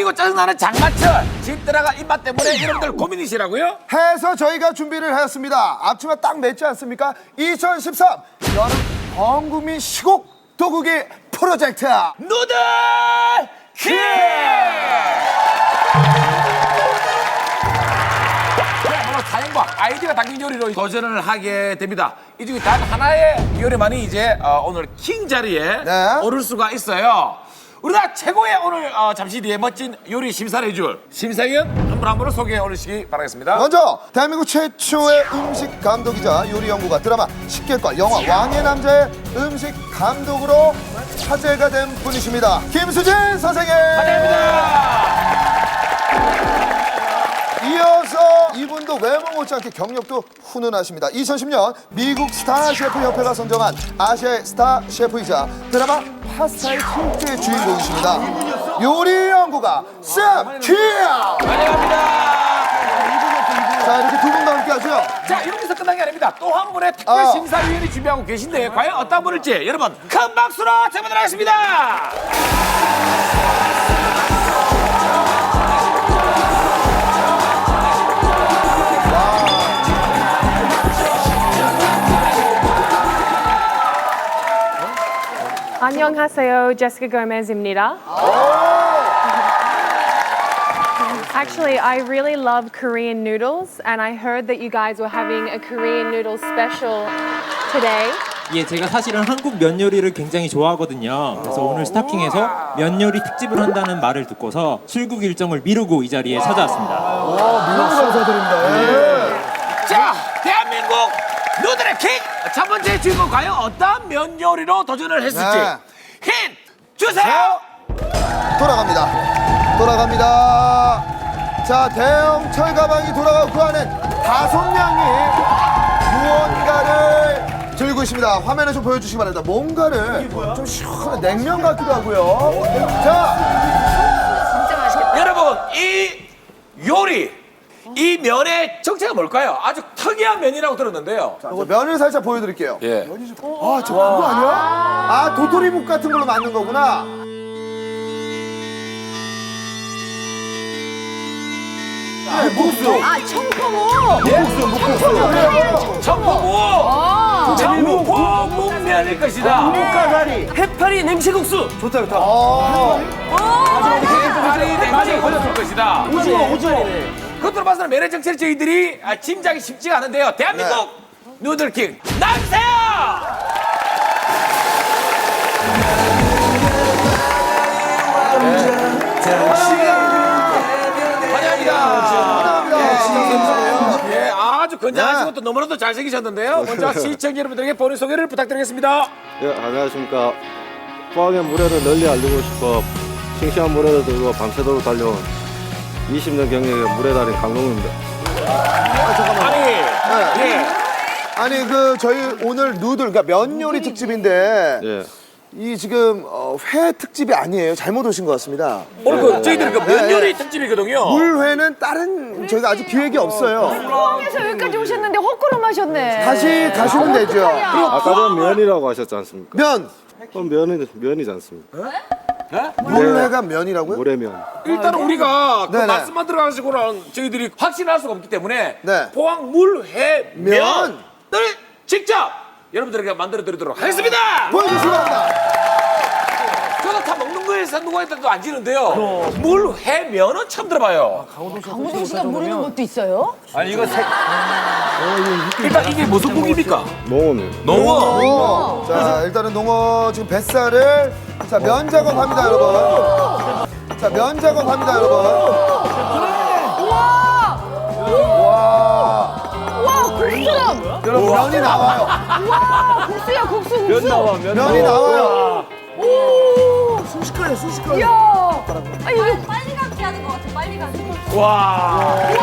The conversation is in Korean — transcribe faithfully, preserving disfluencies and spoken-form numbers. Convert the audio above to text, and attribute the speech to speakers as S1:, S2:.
S1: 그리고 짜증나는 장마철 집들아가 입맛 때문에 여러분들 고민이시라고요?
S2: 해서 저희가 준비를 하였습니다. 앞치마 딱 맺지 않습니까? 이천십삼 여름 범국민 시국 도구기 프로젝트
S1: 누들 퀴즈! 그야말로 사연과 아이디어가 담긴 요리로 도전을 하게 됩니다. 이 중에 단 하나의 요리만이 이제 어, 오늘 킹 자리에
S2: 네.
S1: 오를 수가 있어요. 우리나라 최고의 오늘 어, 잠시 뒤에 멋진 요리 심사를 해줄 심사위원 한 분 한 분을 소개해 올리시기 바라겠습니다.
S2: 먼저 대한민국 최초의 음식 감독이자 요리 연구가 드라마 식객과 영화 왕의 남자의 음식 감독으로 화제가 된 분이십니다. 김수진 선생님.
S1: 환영합니다.
S2: 이어서 이분도 외모 못지않게 경력도 훈훈하십니다. 이천십 년 미국 스타 셰프 협회가 선정한 아시아의 스타 셰프이자 드라마 파스타의 실제 주인공이십니다. 요리 연구가 쌤 퀴어.
S1: 환영합니다.
S2: 자, 이렇게 두 분과 함께 하죠.
S1: 자, 이렇게서 끝난 게 아닙니다. 또 한 분의 특별
S2: 어.
S1: 심사위원이 준비하고 계신데 과연 어떤 분일지 여러분 큰 박수로 청해보도록 하겠습니다.
S3: 안녕하세요, Jessica Gomez입니다. Actually, I really love Korean noodles, and I heard that you guys were having a Korean noodle special today.
S4: 예, 제가 사실은 한국 면 요리를 굉장히 좋아하거든요. 그래서 오늘 스타킹에서 면 요리 특집을 한다는 말을 듣고서 출국 일정을 미루고 이 자리에 찾아왔습니다.
S2: 미국 감사드립니다.
S1: 자, 대한민국 누들의 킹! 첫 번째 주인공 과연 어떤 면 요리로 도전을 했을지
S2: 네.
S1: 힌트 주세요!
S2: 돌아갑니다. 돌아갑니다. 자, 대형 철가방이 돌아가고 그 안엔 다섯 명이 무언가를 들고 있습니다. 화면에 좀 보여주시기 바랍니다. 뭔가를 좀 시원한 냉면 같기도 하고요. 자,
S1: 여러분, 이 요리, 이 면의 정체가 뭘까요? 아주 특이한 면이라고 들었는데요.
S2: 자, 면을 살짝 보여드릴게요.
S1: 예.
S2: 아, 저 그거 아니야? 아, 도토리묵 같은 걸로 만든 거구나.
S1: 묵수,
S5: 아, 청포묵!
S2: 그래요.
S1: 청포묵, 청포묵 묵면일 것이다.
S6: 묵가사리, 해파리 냉채국수. 좋다 좋다.
S1: 해파리 냉채 걸렸을 것이다.
S6: 오징어 오징어.
S1: 그것으로 봐서는 면의 정체를 저희들이 아, 짐작이 쉽지가 않은데요. 대한민국 누들킹 나주세요! 환영합니다. 예, 아주 건장하시고 또 너무나도 잘생기셨는데요. 먼저 시청자 여러분들에게 본인 소개를 부탁드리겠습니다.
S7: 예, 안녕하십니까. 포항의 물회를 널리 알리고 싶어 싱싱한 물회를 들고 밤새도록 달려온 이십 년 경력의 물회달인 강동우입니다.
S1: 아니, 예.
S2: 아니, 그, 저희 오늘 누들, 그러니까 면 요리 특집인데,
S7: 예.
S2: 이 지금 어, 회 특집이 아니에요. 잘못 오신 것 같습니다.
S1: 오늘 그 저희들 그 면
S2: 네.
S1: 요리 특집이거든요.
S2: 물회는 다른 저희가 아직 기획이 없어요.
S5: 포항에서 여기까지 오셨는데 헛걸음 하셨네.
S2: 다시 가시면 되죠.
S7: 아까 전 면이라고 하셨지 않습니까?
S2: 면
S7: 그럼 면은 면이지 않습니까?
S2: 물회가 면이라고요?
S7: 물회면.
S1: 일단 우리가 그
S2: 네네.
S1: 말씀만 들어가시고는 저희들이 확신할 수가 없기 때문에
S2: 네.
S1: 포항 물회
S2: 면.
S1: 면을 직접 여러분들에게 만들어 드리도록 하겠습니다.
S2: 보여주시기 바랍니다.
S1: 저도 다 먹는 거에서 누가 했다도 안 지는데요. 물회 면은 처음 들어봐요.
S5: 강호동 씨가 모르는 것도 있어요?
S1: 일단 이게 무슨 국입니까?
S7: 농어면.
S1: 농어.
S2: 오. 자, 일단은 농어 지금 뱃살을 자, 면 작업합니다, 여러분. 자, 면 작업합니다, 여러분.
S5: 우와!
S2: 와.
S5: 우와, 국수랑!
S2: 여러분, 면이 나와요.
S5: 우와, 국수야, 국수, 국수!
S6: 면 나와 면.
S2: 면이 나와요.
S5: 오!
S2: 순식간에, 순식간에.
S5: 이야! 아, 이게
S8: 빨리 감기 하는 것 같아, 빨리 감기.
S1: 와.